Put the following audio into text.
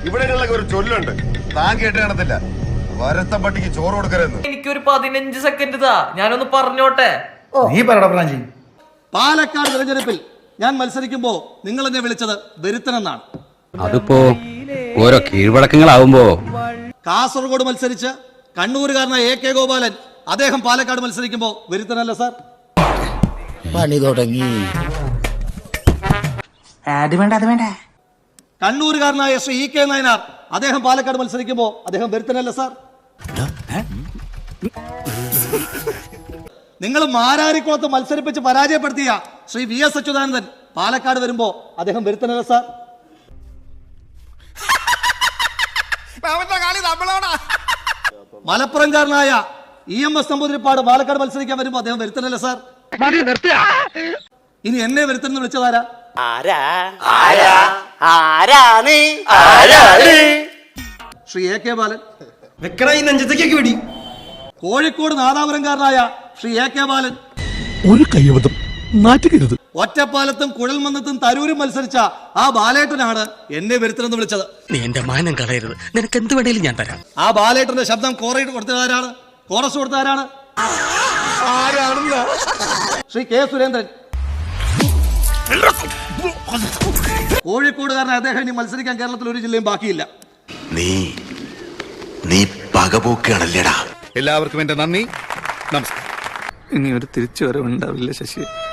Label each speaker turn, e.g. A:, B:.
A: ഇവിടെയുള്ള ഒരു ചൊല്ലുണ്ട്, താൻ കേട്ട് കാണത്തില്ല, വരത്ത പട്ടിക്ക് ചോറ് കൊടുക്കരുതെന്ന്.
B: എനിക്കൊരു 15 സെക്കൻഡ് താ, ഞാനൊന്ന് പറഞ്ഞോട്ടെ.
C: നീ പറയടാ പ്രാഞ്ചി.
D: പാലക്കാട് തെരഞ്ഞെടുപ്പിൽ ഞാൻ മത്സരിക്കുമ്പോ നിങ്ങൾ എന്നെ വിളിച്ചത് വെരുത്തനെന്നാണ്.
E: അതിപ്പോ ഓരോ കീഴ്വഴക്കങ്ങളാവുമ്പോ.
D: കാസർഗോഡ് മത്സരിച്ച് കണ്ണൂരുകാരനായ AK ഗോപാലൻ, അദ്ദേഹം പാലക്കാട് മത്സരിക്കുമ്പോ വെരുത്തനല്ല സാർ.
F: പണി തുടങ്ങി.
D: കണ്ണൂരുകാരനായ ശ്രീ EK നായനാർ, അദ്ദേഹം പാലക്കാട് മത്സരിക്കുമ്പോ അദ്ദേഹം വെരുത്തനല്ല സാർ. നിങ്ങൾ മാരാരിക്കുളത്ത് മത്സരിപ്പിച്ച് പരാജയപ്പെടുത്തിയ ശ്രീ VS അച്യുതാനന്ദൻ പാലക്കാട് വരുമ്പോ അദ്ദേഹം വെരുത്തനല്ല സാർ. മലപ്പുറംകാരനായ EMS നമ്പൂതിരിപ്പാട് പാലക്കാട് മത്സരിക്കാൻ വരുമ്പോ അദ്ദേഹം വെരുത്തനല്ല സാർ. ഇനി എന്നെ വെരുത്തനെന്ന് വിളിച്ചതാരാ? ശ്രീ AK ബാലൻ. കോഴിക്കോട് നാദാപുരംകാരനായ ശ്രീ AK ബാലൻ.
F: ഒരു കൈവതം നാറ്റുകരുത്.
D: ഒറ്റപ്പാലത്തും കുഴൽമന്നത്തും തരൂരും മത്സരിച്ച ആ ബാലേട്ടനാണ് എന്നെ വെരുത്തനെന്ന് വിളിച്ചത്.
F: നീ എന്റെ മാനം കളയരുത്, നിനക്ക് എന്ത് വേണേലും ഞാൻ തരാം.
D: ആ ബാലേട്ടന്റെ ശബ്ദം കൊടുത്തതാരാണ്? കോറസ് കൊടുത്തതാരാണ്? ശ്രീ K സുരേന്ദ്രൻ. കോഴിക്കോടുകാരനായ അദ്ദേഹം ഇനി മത്സരിക്കാൻ കേരളത്തിൽ ഒരു ജില്ലയും ബാക്കിയില്ല.
G: നീ പകപോക്കാണല്ലേടാ.
C: എല്ലാവർക്കും എന്റെ നന്ദി, നമസ്കാരം. ഇനി ഒരു തിരിച്ചുവരവുണ്ടാവില്ല ശശി.